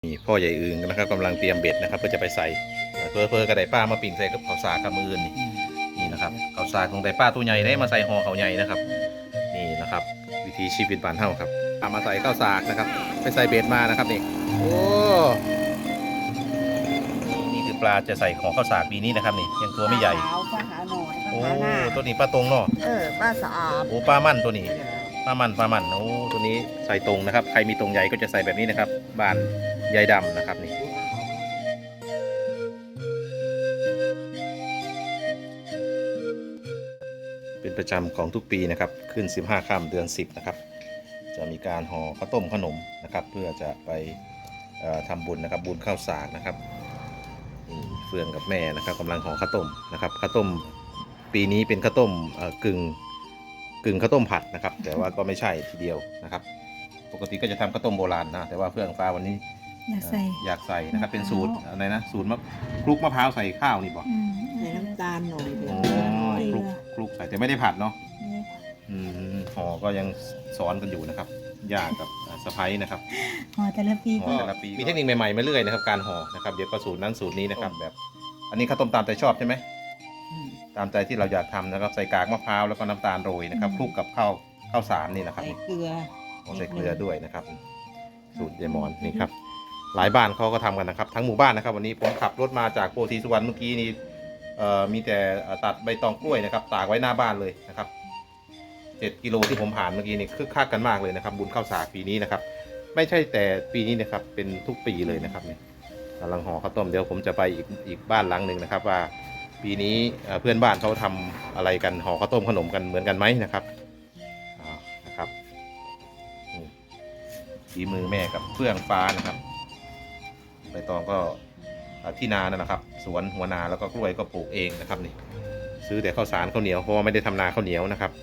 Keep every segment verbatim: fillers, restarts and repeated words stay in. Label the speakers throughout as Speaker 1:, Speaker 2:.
Speaker 1: นี่พ่อใหญ่อึงนะครับกำลังเตรียมเบ็ดนะครับเพื่อจะไปใส่เพื่อเพื่อกระไดป้ามาปิ่งใส่กับข้าวสากกับมือนี่นี่นะครับข้าวสากของไดป้าตัวใหญ่ได้มาใส่ห่อข้าวใหญ่นะครับนี่นะครับวิธีชีวิตบ้านเฮาครับเอามาใส่ข้าวสากนะครับไปใส่เบ็ดมานะครับนี่โอ้นี่คือปลาจะใส่ของข้าวสากปีนี้นะครับนี่ยังตัวไม่ใหญ่
Speaker 2: ปลาขาวปลาขาวหน่อยป
Speaker 1: โอ้
Speaker 2: ลาหน้า
Speaker 1: ตัวนี้ปลาตรงเนาะ
Speaker 2: เออปลาสะอาด
Speaker 1: โอ้ปลามั่นตัวนี้ปลามันปลามันโอ้ตัวนี้ใส่ตรงนะครับใครมีตรงใหญ่ก็จะใส่แบบนี้นะครับบานใยดำนะครับนี่เป็นประจำของทุกปีนะครับขึ้นสิบห้าค่ำเดือนสิบนะครับจะมีการห่อข้าวต้มขนมนะครับเพื่อจะไปทำบุญนะครับบุญข้าวสากนะครับเฟื่องกับแม่นะครับกำลังห่อข้าวต้มนะครับข้าวต้มปีนี้เป็นข้าวต้มกึ่งกึ่งข้าวต้มผัดนะครับแต่ว่าก็ไม่ใช่ทีเดียวนะครับปกติก็จะทำข้าวต้มโบราณนะแต่ว่าเฟื่องฟ้าวันนี้
Speaker 3: อยากใส่
Speaker 1: อยากใส่นะครับเป็นสูตรอะไรนะสูตรมะคลุกมะพร้าวใส่ข้าวนี่บอก
Speaker 2: ใส่น้ำตาลหน่อยเดีย
Speaker 1: โอ้
Speaker 2: ว
Speaker 1: คลุกคลุกใส่แต่ไม่ได้ผัดเนาะ
Speaker 3: นี่
Speaker 1: อืมห่อก็ยังสอนกันอยู่นะครับย่ากับสะพ้ายนะครับ
Speaker 3: ห่อแต่ละปี
Speaker 1: ห่อ
Speaker 3: ก็
Speaker 1: แต่ละปีมีเทคนิคใหม่ๆมาเรื่อยนะครับการห่อนะครับเดี๋ยวก็สูตรนั้นสูตรนี้นะครับแบบอันนี้ข้าวต้มตามใจชอบใช่ไหมตามใจที่เราอยากทำนะครับใส่กากมะพร้าวแล้วก็น้ำตาลโรยนะครับคลุกกับข้าวข้าวสารนี่นะครับ
Speaker 2: ใส่เกลือ
Speaker 1: ใส่เกลือด้วยนะครับสูตรยายมอนนี่ครับหลายบ้านเขาก็ทำกันนะครับทั้งหมู่บ้านนะครับวันนี้ผมขับรถมาจากโพธิสุวรรณเมื่อกี้นี้มีแต่ตัดใบตองกล้วยนะครับตากไว้หน้าบ้านเลยนะครับเจ็ดกิโลที่ผมผ่านเมื่อกี้นี่คึกคักกันมากเลยนะครับบุญข้าวสากปีนี้นะครับไม่ใช่แต่ปีนี้นะครับเป็นทุกปีเลยนะครับนี่กำลังห่อข้าวต้มเดี๋ยวผมจะไปอีกอีกบ้านหลังหนึ่งนะครับว่าปีนี้เพื่อนบ้านเขาทำอะไรกันห่อข้าวต้มขนมกันเหมือนกันไหมนะครับนะครับฝีมือแม่กับเฟื่องฟ้านะครับใบตองก็ที่นานะครับสวนหัวนาแล้วก็กล้วยก็ปลูกเองนะครับนี่ซื้อแต่ข้าวสารข้าวเหนียวเพราะว่าไม่ได้ทำนาข้าวเหนียวนะครับ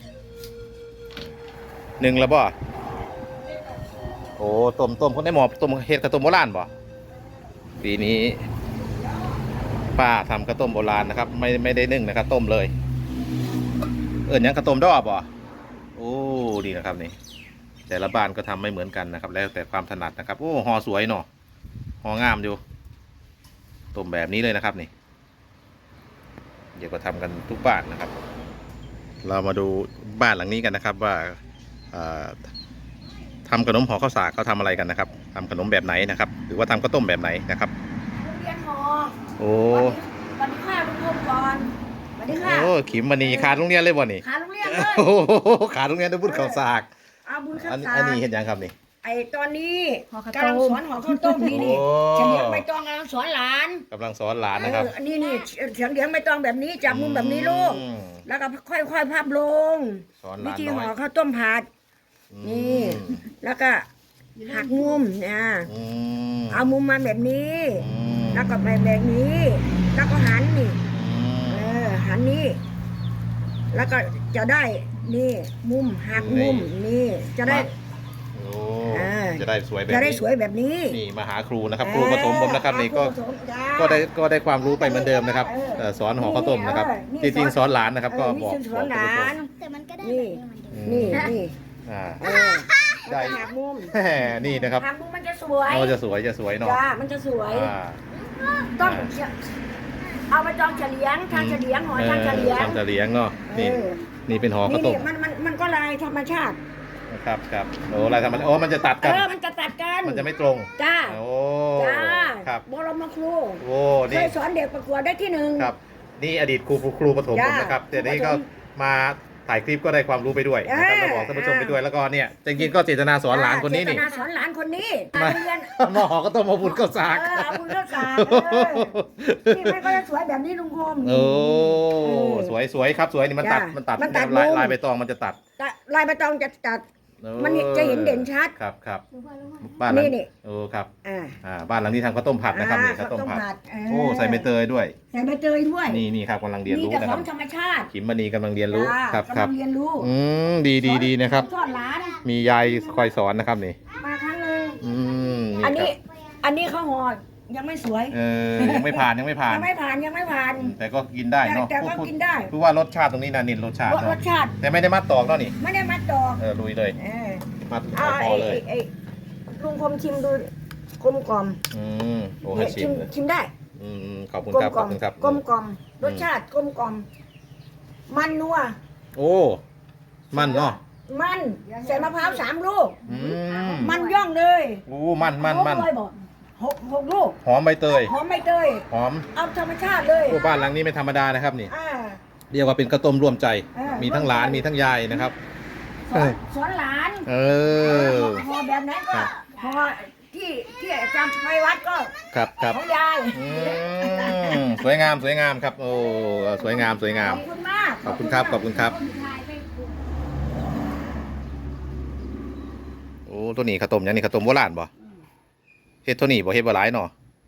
Speaker 1: หนึ่งแล้วบ่โอ้ต้มต้มคนได้หมอต้มเฮ็ดกระต้มโบราณบ่ปีนี้ป้าทำกระต้มโบราณนะครับไม่ไม่ได้นึ่งนะครับต้มเลยเอิ้นยังกระต้มดอกบ่โอ้ดีนะครับนี่แต่ละบ้านก็ทำไม่เหมือนกันนะครับแล้วแต่ความถนัดนะครับโอ้ห่อสวยเนาะห่องามอยู่ต้มแบบนี้เลยนะครับนี่เดี๋ยวก็ทำกันทุกบ้านนะครับเรามาดูบ้านหลังนี้กันนะครับว่าทำขนมห่อข้าวสากเขาทำอะไรกันนะครับทำขนมแบบไหนนะครับหรือว่าทำข้าวต้มแบบไหนนะครับ
Speaker 2: เรียนหอ
Speaker 1: โอ้
Speaker 2: วันนี้ข้าลุงพงก่อนวันนี้ข้า
Speaker 1: โอ้ขิมมณีขาดโรงเรียนเลยบ่นี่
Speaker 2: ขาโรงเรียนเลย
Speaker 1: โอ้ขาดโรงเรียนด้วยบุญข้าวสาก
Speaker 2: อาบุญข้าว
Speaker 1: อัน
Speaker 2: สาก
Speaker 1: อันนี้เห็นยังครับนี่
Speaker 2: ไอตอนนี้กำลังสอนหอข้าวต้มนี่นี่เฉียงใบตองกำลังสอนหลาน
Speaker 1: กำลังสอนหลานนะครับ
Speaker 2: อันนี้นี่เฉียงเฉียงใบตองแบบนี้จับมุมแบบนี้ลูกแล้วก็ค่อยๆพับลง
Speaker 1: สอนห
Speaker 2: วิ
Speaker 1: ลาน
Speaker 2: ธี
Speaker 1: น้
Speaker 2: ห่
Speaker 1: อ
Speaker 2: อย ข้าวต้มผัดนี่แล้วก็หักมุมนะ
Speaker 1: อืม
Speaker 2: เอามุมมาแบบนี้
Speaker 1: อืม
Speaker 2: แล้วก็แบบแบบนี้ แล้วก็หันนี่
Speaker 1: อืม
Speaker 2: เออหันนี่แล้วก็จะได้นี่มุมหักมุมนี่จะได้
Speaker 1: โอ้
Speaker 2: เออ
Speaker 1: จะได้สวยแบบ
Speaker 2: จะได้
Speaker 1: นี้
Speaker 2: สวยแบบนี้
Speaker 1: นี่มาหาครูนะครับครูปฐมผมนะครับนี่ก็
Speaker 2: ครูปฐมจ้า
Speaker 1: ก็ได้ก็ได้ความรู้ไปเหมือนเดิมนะครับ
Speaker 2: เออ
Speaker 1: เอ่อสอนห่อข้าวต้มนะครับ
Speaker 2: นี่
Speaker 1: จริง
Speaker 2: สอน
Speaker 1: ๆสอนหลานนะครับ ก็
Speaker 2: เออนี่
Speaker 1: บอก
Speaker 2: สอนหลาน
Speaker 3: แต่มันก็ได้
Speaker 2: นี่
Speaker 1: อืม
Speaker 2: นี่นี่
Speaker 1: อ่า
Speaker 2: เออ
Speaker 1: ได้
Speaker 2: แล้วก็หักมุม
Speaker 1: แหมนี่นะครับ
Speaker 2: หักมุมมันจะสวย
Speaker 1: เราจะสวยจะสวยเนาะ
Speaker 2: จ้ามันจะสวย
Speaker 1: อ่า
Speaker 2: ต้องเอาไปจองเฉลียงทางเฉลียงหอยทางเฉลียง
Speaker 1: ทำจะเลี้ยงเนาะนี่
Speaker 2: เออ
Speaker 1: นี่เป็นห่อข้าว
Speaker 2: นี่
Speaker 1: ต้
Speaker 2: นี่
Speaker 1: ม
Speaker 2: มันมันมันก็ลายธรรมชาติ
Speaker 1: นะครับครับโอ้อะไรทำมันโอ้มันจะตัด
Speaker 2: เอ
Speaker 1: กัน
Speaker 2: อมันจะตัดกัน
Speaker 1: มันจะไม่ตรง
Speaker 2: จ้า
Speaker 1: โอ้
Speaker 2: จ้า
Speaker 1: ครับ
Speaker 2: บรมครู
Speaker 1: โอ้
Speaker 2: เค
Speaker 1: นี่
Speaker 2: ยสอนเด็กประกวดได้ที่หนึ่ง
Speaker 1: ครับนี่อดีตครูครูปฐมผม
Speaker 2: จ้า
Speaker 1: นะครับแต่นี่
Speaker 2: ครู
Speaker 1: ก็
Speaker 2: ปฐม
Speaker 1: มาถ่ายคลิปก็ได้ความรู้ไปด้วยนะครับ
Speaker 2: อ่า
Speaker 1: แล้วบอกท่านผู้ชมไปด้วยแล้วก็เนี่ยจริงๆก็เจตนาสอนหลานคนนี้นี่
Speaker 2: เจตาสอนหลานคนนี้
Speaker 1: มา
Speaker 2: เรียน
Speaker 1: มาห่อก็ต้องมาบุญข้าวสาก
Speaker 2: เออเอาบุญข้าวสากเออนี่มันก็จะสวยแบบนี้ลุงคม
Speaker 1: โอ้
Speaker 2: เออ
Speaker 1: สวยสวยครับสวยนี่มันตัด
Speaker 2: จ้ะ
Speaker 1: มันตัด
Speaker 2: มันตัด
Speaker 1: ลาย
Speaker 2: มุม
Speaker 1: ลายใบตองมันจะตัด
Speaker 2: แต่ลายใบตองจะตัด
Speaker 1: โอ้
Speaker 2: มันจะเห็นเด่นชัด
Speaker 1: ครับครับ
Speaker 3: รู้ว่ารู้ว่า
Speaker 1: บ้านหลัง
Speaker 2: นี่นี่
Speaker 1: โอ้ครับ
Speaker 2: อ่า
Speaker 1: อ่าบ้านหลังนี้ทำข้าวต้มผัดนะครับนี่ข้าวต้มผัด
Speaker 2: เ
Speaker 1: โอ้ใส่ใบเตยด้วย
Speaker 2: ใส่ใบเตยด้วย
Speaker 1: นี่นี่ครับกำลังเรียน
Speaker 2: มี
Speaker 1: รู้
Speaker 2: แต่
Speaker 1: นะ
Speaker 2: ข
Speaker 1: ค
Speaker 2: อ
Speaker 1: รับ
Speaker 2: งธรรมชาติ
Speaker 1: ขิมมณีกำลังเรียนรู้
Speaker 2: จ้า
Speaker 1: ครับค
Speaker 2: กำ
Speaker 1: รั
Speaker 2: ลั
Speaker 1: บ
Speaker 2: งเรียนรู้
Speaker 1: อืมดีดีดีนะครับ
Speaker 2: สอนหลาน
Speaker 1: มียายคอยสอนนะครับนี่
Speaker 2: มาครั้งหนึ่ง
Speaker 1: อืม
Speaker 2: อันนี้
Speaker 1: ครับ
Speaker 2: อันนี้ข้าวหอยังไม่สวย
Speaker 1: เออยังไม่ผ่านยังไม่ผ่าน
Speaker 2: ยังไม่ผ่านยังไม่ผ่าน
Speaker 1: แต่ก็กินได้เนาะ
Speaker 2: แต่ก็
Speaker 1: พูด
Speaker 2: กินได้
Speaker 1: พูดว่ารสชาติตรงนี้นะนินรสชาติ
Speaker 2: รส
Speaker 1: เนาะ
Speaker 2: ชาติ
Speaker 1: แต่ไม่ได้มัดตอกเนาะนี่
Speaker 2: ไม่ได้มัดดอก
Speaker 1: เออลุยเลย
Speaker 2: เออ
Speaker 1: มัด
Speaker 2: เอา
Speaker 1: พอ
Speaker 2: ไอ้
Speaker 1: เลย
Speaker 2: ไอ้ลุงคมชิมดูกลมกล่อม
Speaker 1: อืมโอ้ให้ชิมเลย
Speaker 2: ชิมได้
Speaker 1: อืมขอบคุณ
Speaker 2: กลม
Speaker 1: ครับ
Speaker 2: ก
Speaker 1: ข
Speaker 2: ล่
Speaker 1: อ
Speaker 2: อบ ม
Speaker 1: คุณครับ
Speaker 2: กลมกล่อมรสชาติกลมกล่อมมันนัว
Speaker 1: โอ้มันเนาะ
Speaker 2: มันใส่มะพร้าวสามลูก
Speaker 1: อืม
Speaker 2: มันย่องเลย
Speaker 1: โอ้มันมันมัน
Speaker 2: หกเลยบอกหกหกลูก
Speaker 1: หอมใบเตย
Speaker 2: หอมไม่เตย
Speaker 1: หอม
Speaker 2: เอาธรรมชาติเลย
Speaker 1: โอ้บ้านหลังนี้ไม่ธรรมดานะครับนี่
Speaker 2: อ่า
Speaker 1: เรียกว่าเป็นข้าวต้มร่วมใจ
Speaker 2: เออ
Speaker 1: มีทั้งหลานมีทั้งยายนะครับ
Speaker 2: สอนสอนหลาน
Speaker 1: เออ
Speaker 2: พอแบบนั้นก็พอที่ที่จำไปวัดก็
Speaker 1: ครับครับ
Speaker 2: ของยาย
Speaker 1: อืมสวยงามสวยงามครับ โอ้สวยงามสวยงาม
Speaker 2: ขอบคุณมาก
Speaker 1: ขอบคุณครับขอบคุณครับ โอ้ตัวนี้ข้าวต้มยังนี่ข้าวต้มโบราณบ่เฮ็ดตัวนี้บ่เฮ็ดบ่หลายเนาะ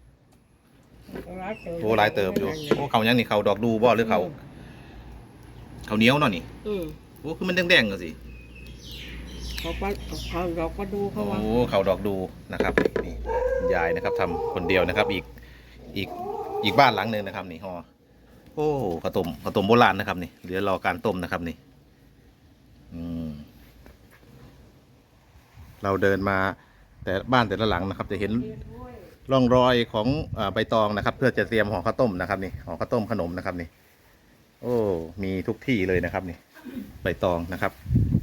Speaker 1: โอ้หลายเติบอยู่โอ้เขายังนี่เขาดอกดูบ่หรือเขาเขาเหนียวเนาะนี่
Speaker 3: อืม
Speaker 1: โอ้คือมันแดงๆจังสิ
Speaker 3: เขาก็เขาเราก็ดูเขาว่า
Speaker 1: โอ้เขาดอกดูนะครับนี่คุณยายนะครับทำคนเดียวนะครับ อีกอีกอีกบ้านหลังหนึ่งนะครับ นี่ฮอโอ้ข้าวต้มข้าวต้มโบราณนะครับนี่เหลือรอการต้มนะครับนี่อืมเราเดินมาแต่บ้านแต่ละหลังนะครับ จะเห็นร่องรอยของอ่าใบตองนะครับ เพื่อจะเตรียมห่อข้าวต้มนะครับนี่ห่อข้าวต้มขนมนะครับนี่ โอ้มีทุกที่เลยนะครับนี่ใบตองนะครับ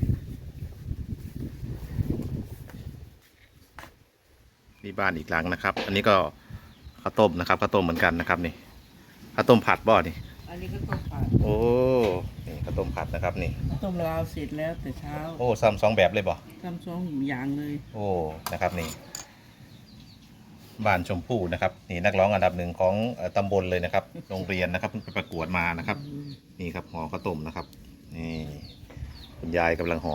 Speaker 1: นี่บ้านอีกหลังนะครับ อันนี้ก็ข้าวต้มนะครับข้าวต้มเหมือนกันนะครับนี่ข้าวต้มผัดบ่อนี่
Speaker 3: อันนี้ก็ต้มผัด
Speaker 1: โอ้นี่ข้าวต้มผัดนะครับนี่
Speaker 3: ต้มลาวเสร็จแล้วแต่เช้า
Speaker 1: โอ้ซ้ำสองแบบเลยบ่
Speaker 3: ทำซองอย่างเลย
Speaker 1: โอ้นะครับนี่บ้านชมพู่นะครับนี่นักร้องอันดับหนึ่งของเอ่อตำบลเลยนะครับ โรงเรียนนะครับเพิ่งไปประกวดมานะครับ นี่ครับห่อข้าวต้มนะครับนี่คุณยายกำลังห่อ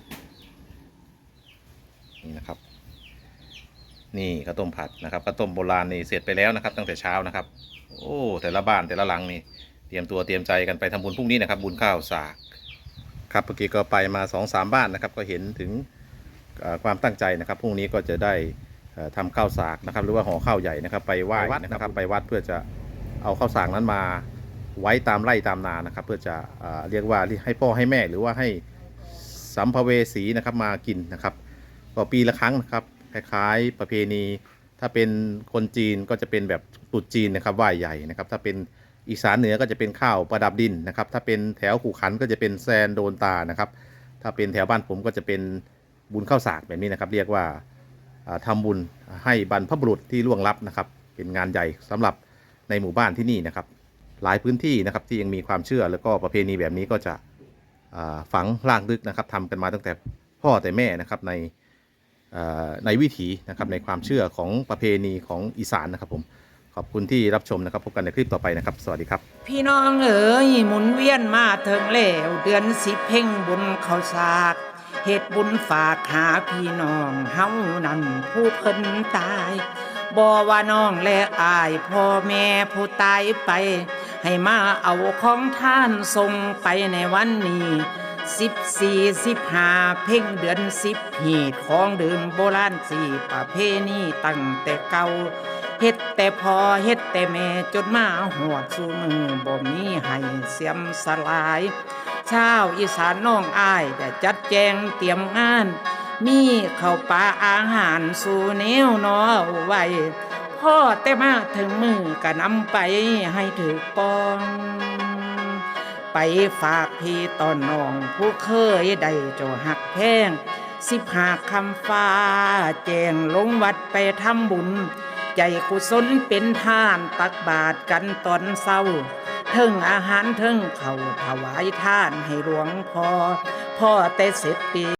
Speaker 1: นี่นะครับ นี่ข้าวต้มผัดนะครับข้าวต้มโบราณนี่เสร็จไปแล้วนะครับ ตั้งแต่เช้านะครับ โอ้แต่ละบ้านแต่ละหลังนี่เตรียมตัวเตรียมใจกันไปทำบุญพรุ่งนี้นะครับ บุญข้าวสากครับเมื่อกี้ก็ไปมาสองสามบ้านนะครับ ก็เห็นถึงเอ่อความตั้งใจนะครับพรุ่งนี้ก็จะได้เอ่อทำข้าวสากนะครับ หรือว่าห่อข้าวใหญ่นะครับ ไปไหว้วัดนะครับ ไปวัดเพื่อจะเอาข้าวสากนั้นมาไว้ตามไร่ตามนานะครับ เพื่อจะเอ่อเรียกว่าให้พ่อให้แม่หรือว่าให้สัมภเวสีนะครับมากินนะครับก็ปีละครั้งนะครับคล้ายๆประเพณีถ้าเป็นคนจีนก็จะเป็นแบบตรุษจีนนะครับไหว้ใหญ่นะครับ ถ้าเป็นอีสานเหนือก็จะเป็นข้าวประดับดินนะครับ ถ้าเป็นแถวขู่ขันก็จะเป็นแซนโดนตานะครับ ถ้าเป็นแถวบ้านผมก็จะเป็นบุญข้าวสากแบบนี้นะครับ เรียกว่าอ่าทำบุญให้บรรพบุรุษที่ล่วงลับนะครับ เป็นงานใหญ่สำหรับในหมู่บ้านที่นี่นะครับ หลายพื้นที่นะครับที่ยังมีความเชื่อแล้วก็ประเพณีแบบนี้ก็จะอ่าฝังรากลึกนะครับทำกันมาตั้งแต่พ่อแต่แม่นะครับในอ่าในวิถีนะครับในความเชื่อของประเพณีของอีสานนะครับผมขอบคุณที่รับชมนะครับพบกันในคลิปต่อไปนะครับ สวัสดีครับ
Speaker 3: พี่น้องเอ๋ยหมุนเวียนมาถึงแล้วเดือนสิบเพ่งบุญเขาสากเหตุบุญฝากหาพี่น้องเฮานั่นผู้เพิ่นตายบ่ว่าน้องและอายพ่อแม่ผู้ตายไป ให้มาเอาของท่านส่งไปในวันนี้สิบสี่สิบห้าเพ่งเดือนสิบหีดของดื่มโบราณสี่ประเพณีตั้งแต่เก่าเฮ็ดแต่พอเฮ็ดแต่แม่จนมาหอดสู่มือบ่มีให้เสียมสลายชาวอีสานน้องอายได้จัดแจงเตรียมงานมีข้าวปลาอาหารสู่แนวนอไว้พ่อแต่มาถึงมือก็นำไปให้ถือปอง ไปฝากพี่ตอนน้องผู้เคยได้เจ้าหักแพงสิบหาคำฟ้าแจงลงวัดไปทำบุญใจกุศลเป็นทานตักบาตรกันตอนเศร้าเทิงอาหารเทิงเขาวถวายทานให้หลวงพ่อพ่อแต่เสร็จปี